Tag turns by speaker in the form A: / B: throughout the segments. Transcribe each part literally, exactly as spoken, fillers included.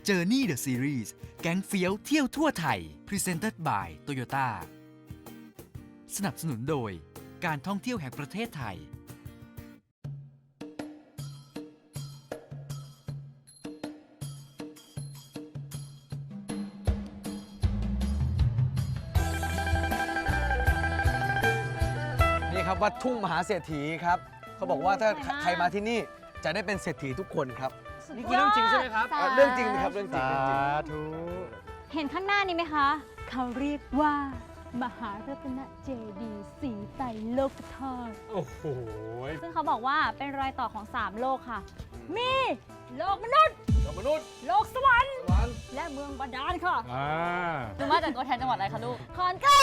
A: Journey the Series แก๊งเฟี้ยวเที่ยวทั่วไทย Presented by Toyota สนับสนุนโดยการท่องเที่ยวแห่งประเทศไทย
B: ครับวัดทุ่งมหาเศรษฐีครับเขาบอกว่าถ้าใครมาที่นี่จะได้เป็นเศรษฐีทุกคนครับ
C: นี่คือเรื่องจริงใช่ไหมครับ
B: เรื่องจริงครับเรื่องจริง
C: สา
B: เรื่องจริง
C: ธุ
D: เห็นข้างหน้านี้ไหมคะ เขาเรียกว่ามหารัตนเจดีย์สีไตรโลกธาตุ
C: โอ้โห
D: ซึ่งเขาบอกว่าเป็นรอยต่อของสามโลกค่ะ มีโลกมนุษย์
B: มนุษย์
D: โลกสวรรค์
B: วัน
D: และเมืองบาดาลค่ะ
C: อ่า
D: หนูมาจากตัวแทนจังหวัดอะไรคะลูกขอนแก่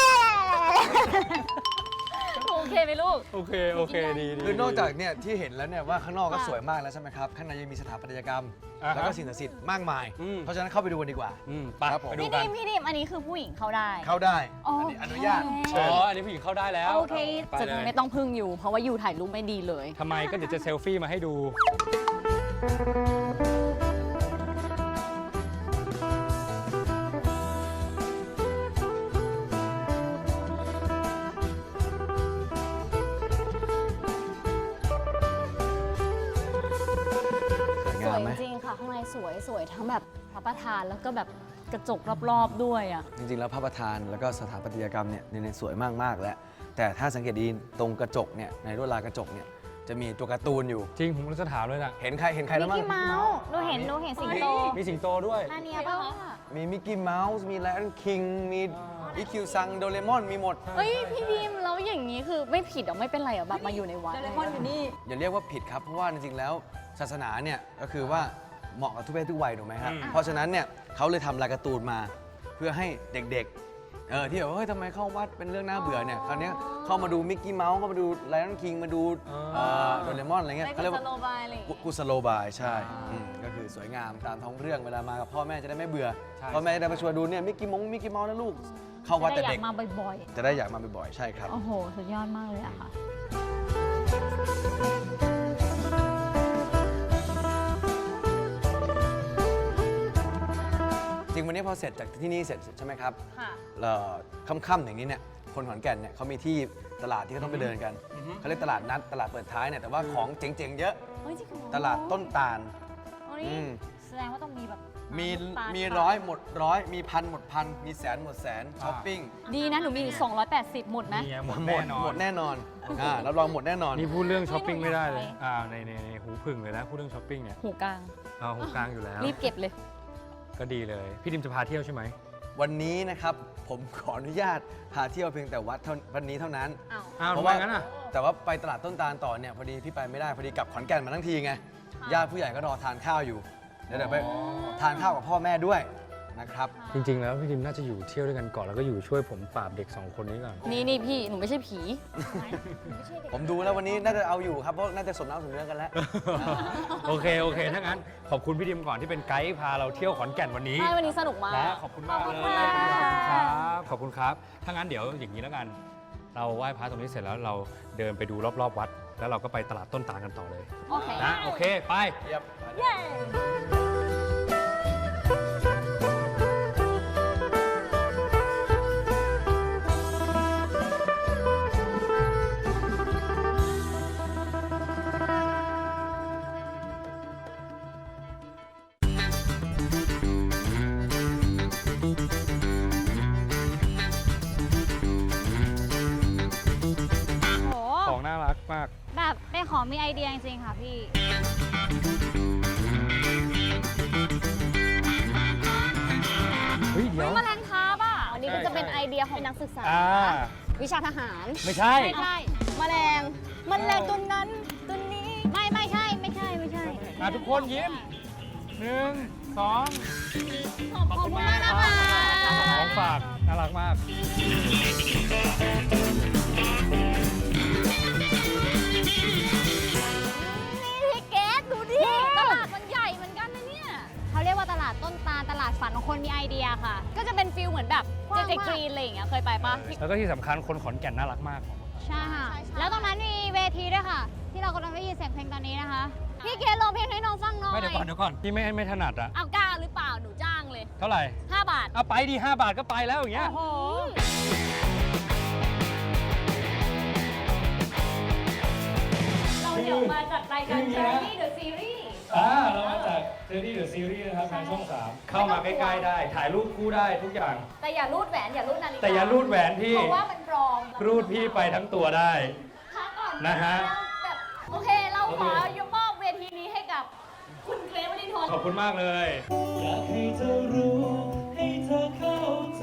D: นโอเคไหมลูก
C: โอเค โอเค ดีดี
B: คือนอกจากเนี่ยที่เห็นแล้วเนี่ยว่าข้างนอกก็สวยมากแล้วใช่ไหมครับข้างในยังมีสถาปัตยกรรม
C: อ่าฮะ
B: แล้วก็สิ่งศักดิ์สิทธิ์มากมาย
C: อืม
B: เพราะฉะนั้นเข้าไปดูกันดีกว่า
C: อืมไป
B: ครับผม
C: ไปดู
D: พี่
C: กั
D: ดิ
C: น
D: มพี่ดิมอันนี้คือผู้หญิงเข้าได้
B: เข้าได้
D: โอ
B: อัน
D: เค
B: นี้อนุญาต
C: อ๋
B: เชิ
C: อ
B: ญ
C: อันนี้ผู้หญิงเข้าได้แล้ว
D: โอเค
C: ไป
E: จะ
C: เลย
E: ไม่ต้องพึ่งอยู่ เพราะว่าอยู่ถ่ายรูปไม่ดีเลย
C: ทำไมก็เดี๋ยวจะเซลฟี่มาให้ดู
B: สวย
E: ส
B: งาม
E: วย
B: ไหม
E: จริงๆค่ะ ข้างในสวยสวยทั้งแบบพระประธานแล้วก็แบบกระจกรอบๆด้วยอ่ะ
B: จริงๆแล้วพระประธานแล้วก็สถาปัตยกรรมเนี่ยเนี่ยสวยมากๆแล้วแต่ถ้าสังเกตดีตรงกระจกเนี่ยในลวดลายกระจกเนี่ยจะมีตัวการ์ตูนอยู่
C: จริง ผมจะถามเลยนะ
B: เห็นใครเห็นใครแล้วมั้ง
D: มิกกี้เมาส์หนูเห็นหนูเห็นสิงโต
C: มีสิงโตด้วย
D: อันเนี้ยป่ะ
B: มีมิกกี้เมาส์มีไลออนคิงมีอีคิวซังโดเรมอนมีหมด
E: เอ้ย พี่บีมแล้วอย่างนี้คือไม่ผิดหรอไม่เป็นไรหรอแบบมาอยู่ในวัด
D: โดเรมอนอยู่นี่
B: อย่าเรียกว่าผิดครับ เพราะว่าจริงๆแล้วศาสนาเนี่ยก็คือว่าเหมาะกับทุกเพศทุกวัยถูกไหมครับ
C: อืม
B: เพราะฉะนั้นเนี่ยเขาเลยทำลายการ์ตูนมา เพื่อให้เด็กๆเออที่แบบว่าเฮ้ยทำไมเข้าวัดเป็นเรื่องน่าเบื่อเนี่ยคราวเนี้ยเข้ามาดูมิกกี้เมาส์เข้ามาดูไลออนคิงมาดูเอ่อโดเรมอนอะไรเงี้ย
E: ใน
B: เขาเรียก
E: กุ
B: ว่า
E: ศโลบายอะไรอย่าง
B: กุ
E: งี้
B: กุสโลบายใช่อืมก็คือสวยงามตามท้องเรื่องเวลามากับพ่อแม่จะได้ไม่เบื่อ
C: ใช่
B: พ่อแม่จะได้มาชวนดูเนี่ยมิกกี้มงมิกกี้เมาส์นะลูกเข้าวัด
D: จะ
B: แต่
D: ได้อ
B: เด็
D: ยาก กมาบ่อย
B: จะได้อยากมาบ่อยๆใช่ครับ
D: ๆ โอ้โห สุดยอดมากเลยอะค่ะ
B: จริงวันนี้พอเสร็จจากที่นี่เสร็จใช่ไหมครับ
D: ค่ะ
B: เอ่อค่ำๆอย่างนี้เนี่ยคนขอนแก่นเนี่ยเขามีที่ตลาดที่เขาต้องไปเดินกันเขาเรียกตลาดนัดตลาดเปิดท้ายเนี่ยแต่ว่าของเจ๋งๆเยอะ
D: เฮ้ยจริงเหรอ
B: ตลาดต้นตาล
D: โอ้
B: อื
D: นี่
B: ม
D: แสดงว่าต้องมีแบบ
B: มี
D: น้ำตาล
B: มี
D: ขาย
B: ร้อยหมดร้อยมีพันหมดพันมีแสนหมดแสนช้อปปิ้ง
E: ดีนะ หนูมีสองร้อยแปดสิบหมดไหม
C: นี่ไงหมด
B: หม
C: แน่
B: ด
C: นอ
B: หม
C: น
B: ดแน่นอนอ่ารับรองหมดแน่นอน
C: นี่พูดเรื่องช้อปปิ้งไม่ได้เลย อ่า ในในในหูพึ่งเลยนะ พูดเรื่องช้อปปิ้งเนี่ย
E: หูกลาง
C: อ่าหูกลางอยู่แล้ว
E: รีบเก็บเลย
C: ก็ดีเลย พี่ดิมจะพาเที่ยวใช่ไหม
B: วันนี้นะครับผมขออนุญาตพาเที่ยวเพียงแต่วัดเท่าวันนี้เท่านั้น
D: อ้าว
C: อ้าว
B: เพ
C: ทำ
B: ราะ
C: ไม
B: ว่า
C: งั้นอ่ะ
B: แต่ว่าไปตลาดต้นตาลต่อเนี่ยพอดีพี่ไปไม่ได้พอดีกลับขอนแก่นมาทั้งทีไงญาติผู้ใหญ่ก็รอทานข้าวอยู่เดี๋ยวเดี๋ยวไปทานข้าวกับพ่อแม่ด้วยนะครับ
C: จริง ๆ แล้วพี่ดิมน่าจะอยู่เที่ยวด้วยกันก่อนแล้วก็อยู่ช่วยผมปราบเด็กสองคนนี้ก่อน
E: นี่นี่พี่ หนูไม่ใช่ผี
B: ผมดูแล้ววันนี้น่าจะเอาอยู่ครับเพราะน่าจะสมน้ำสมเนื้อกันแล้ว
C: โอเค โอเค ถ้างั้นขอบคุณพี่ดิมก่อนที่เป็นไกด์พาเราเที่ยวขอนแก่นวันนี้
E: ใช่ วันนี้สนุกมาก
C: นะขอบคุณมากเลย
E: ขอบคุณค่ะ
C: ครับ ขอบคุณครับ ถ้างั้นเดี๋ยวอย่างนี้แล้วกัน เราไหว้พระตรงนี้เสร็จแล้วเราเดินไปดูรอบๆวัด แล้วเราก็ไปตลาดต้นตาลกันต่อเลย
E: โอเค
C: นะ โอเค ไป
B: เยี่ยม
D: เย้ โห
C: ของน่ารักมาก
D: แบบเป็นของมีไอเดียจริงๆ ค่ะพี่
C: เฮ้ย เดี๋ยว
D: แมลงคาบอ่ะ
E: อันนี้ก็จะเป็นไอเดียของนักศึกษา
C: อ่า
E: วิชาทหาร
C: ไม่ใช่
D: ไม่ใช่
E: แมลงแมลงตัวนั้นตัวนี้
D: ไม่ไม่ใช่ ไม่ใช่ ไม่ใช่
C: มาทุกคนยิ้มหนึ่งสอง
D: ขอบคุณมากนะคะ
C: ของฝาก น่ารักมาก
D: นี่พี่เกดดูดิ ตลาดมันใหญ่เหมือนกันนะเนี่ย เขาเรียกว่าตลาดต้นตาล ตลาดฝันของคนมีไอเดียค่ะ
E: ก็จะเป็นฟิลเหมือนแบบ
D: กว้าง
E: เจ
D: มาก
E: เจกรีนอะไรอย่างเงี้ย เคยไปปะ
C: แล้วก็ที่สำคัญคนขอนแก่นน่ารักมาก
D: ใช่ค่ะ แล้วตรงนั้นมีเวทีด้วยค่ะ ที่เรากำลังได้ยินเสียงเพลงตอนนี้นะคะ พี่เกดร้องเพลงให้น้องฟังหน่อย
C: ไม่เดี๋ยวก่อนเดี๋ยวก่อนพี่ไม่ไม่ถนัดอะ
E: เอากล้าหรือเปล่า หนูจะ
C: ท่าไหร่
E: ห้าบาท
C: เอาไปดีห้าบาทก็ไปแล้วอย่างเงี้ย
D: โอ้โห
E: เราเดี๋ยวมาจากรายการ Journey the Series
C: อ่าเรามาจาก Journey the Series นะครับทางช่องสามเข้ามาใกล้ๆได้ ถ่ายรูปคู่ได้ทุกอย่าง
E: แต่อย่ารูดแหวน อย่ารูดนาฬิกา
C: แต่อย่ารูดแหวนพี่
E: เพราะว่ามันปลอม
C: รูดพี่ไปทั้งตัวได้
E: พักก่อน
C: นะฮะ
E: แบบโอเค เราขอยกมอบเวทีนี้ให้กับคุณเกรซวรินทร์
C: ขอบคุณมากเลย
F: อยากให้เธอรู้ให้เธอเข้าใจ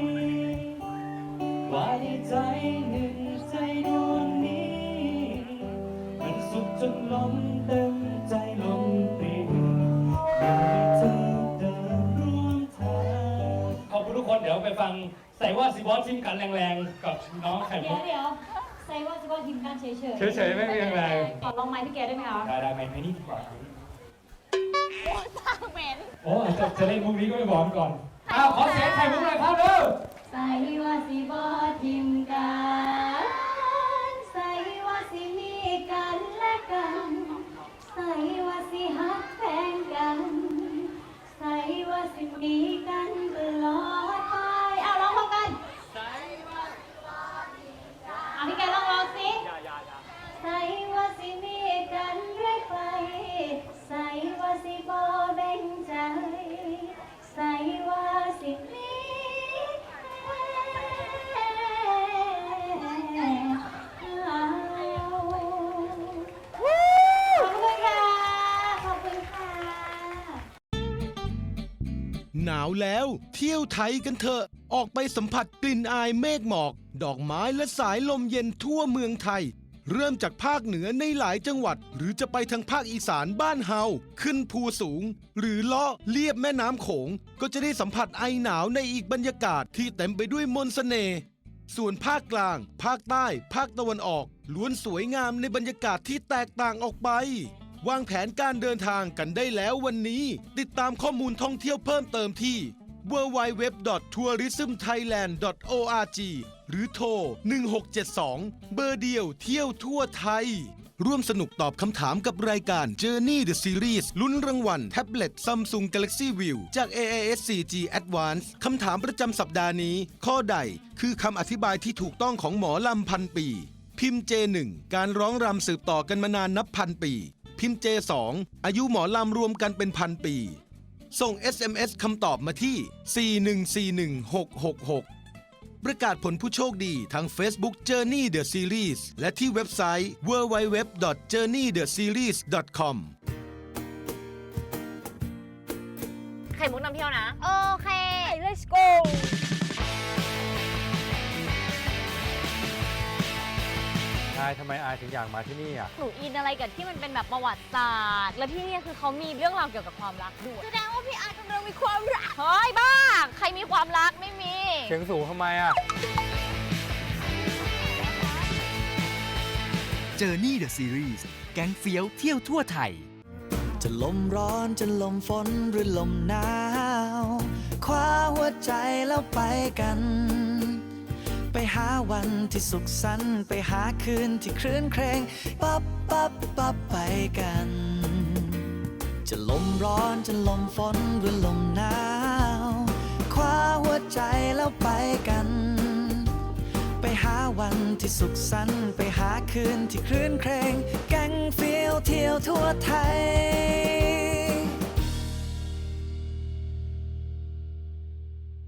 F: ว่าในใจหนึ่งใจดวงนี้ มันสุขจนล้นเต็มใจล้นปรีอยากให้เธอเดินร่วมทางขอบคุณทุกคนเดี๋ยวไปฟังใส่ว่าสิบอสชิมกันแรงๆ กับน้องไข่
D: เดี๋
F: มุ
D: ยว
F: ก
D: เดี๋ยวใส่ว่าจะว่าทีมกันเฉยๆ
C: เฉยๆไม่มีแรง
D: ขอลองไม้พี่แกได้ไหมคะ
F: ได้ได้ไหมไม่นี่ดีกว่า
E: เหม็น
F: โอ้จะจะเล่นมุกนี้ก็ไม่บอกก่อนอ้าวขอเสียงไข่มุกหน่อยครับเร็ว
D: ใส่ว่าสิบ่ทิมกันใส่ว่าสิมีกันและกันใส่ว่าสิฮักแพงกันใส่ว่าสิมีกันตลอดไปเอาร้องพร้อมกันเอาพี่แกลองร้องสิใส่ว่าสิมีกันเรื่อยไปใส่ว่าสิบ่แบ่งใจใส่ว่าสิมี
G: หนาวแล้วเที่ยวไทยกันเถอะออกไปสัมผัสกลิ่นอายเมฆหมอก ดอกไม้และสายลมเย็นทั่วเมืองไทย เริ่มจากภาคเหนือในหลายจังหวัด หรือจะไปทางภาคอีสานบ้านเฮาขึ้นภูสูง หรือเลาะเลียบแม่น้ำโขง ก็จะได้สัมผัสไอหนาวในอีกบรรยากาศที่เต็มไปด้วยมนต์เสน่ห์ส่วนภาคกลาง ภาคใต้ ภาคตะวันออกล้วนสวยงามในบรรยากาศที่แตกต่างออกไปวางแผนการเดินทางกันได้แล้ววันนี้ ติดตามข้อมูลท่องเที่ยวเพิ่มเติมที่ ดับเบิลยู ดับเบิลยู ดับเบิลยู ดอท ทัวริซึมไทยแลนด์ ดอท โอ อาร์ จี หรือโทร หนึ่งหกเจ็ดสอง เบอร์เดียวเที่ยวทั่วไทย ร่วมสนุกตอบคำถามกับรายการ Journey the Series ลุ้นรางวัลแท็บเล็ต Samsung Galaxy View จาก เอ เอ เอส โฟร์ จี Advance คำถามประจำสัปดาห์นี้ ข้อใดคือคำอธิบายที่ถูกต้องของหมอลำพันปี พิมพ์ เจ หนึ่ง การร้องรำสืบต่อกันมานานนับพันปีพิมพ์ เจ สอง อายุหมอลำรวมกันเป็นพันปีส่ง เอส เอ็ม เอส คำตอบมาที่ สี่หนึ่งสี่หนึ่งหกหกหก ประกาศผลผู้โชคดีทาง Facebook Journey the Series และที่เว็บไซต์ ดับเบิลยู ดับเบิลยู ดับเบิลยู ดอท เจอร์นี่เดอะซีรีส์ ดอท คอม
E: ไข่มุกนำเที่ยวนะ โอเค
D: let's go
C: อายทำไมอายถึงอยากมาที่นี่อ่ะ
E: หนูอินอะไรกับที่มันเป็นแบบประวัติศาสตร์ และที่นี่คือเขามีเรื่องราวเกี่ยวกับความรักด้วยแสดงว่าพี่อาร์ตกำลังมีความรัก เฮ้ยบ้า ใครมีความรักไม่มี
C: เสียงสูงทำไมอ่ะ
A: Journey the Series แก๊งเฟี้ยวเที่ยวทั่วไทย
H: จะลมร้อนจะลมฝนหรือลมหนาวคว้าหัวใจแล้วไปกันไปหาวันที่สุขสันต์ไปหาคืนที่คลื่นเครงปั๊บปั๊บปั๊บไปกันจะลมร้อนจะลมฝนหรือลมหนาวคว้าหัวใจแล้วไปกันไปหาวันที่สุขสันต์ไปหาคืนที่คลื่นเครงแก๊งเฟี้ยวเที่ยวทั่วไทย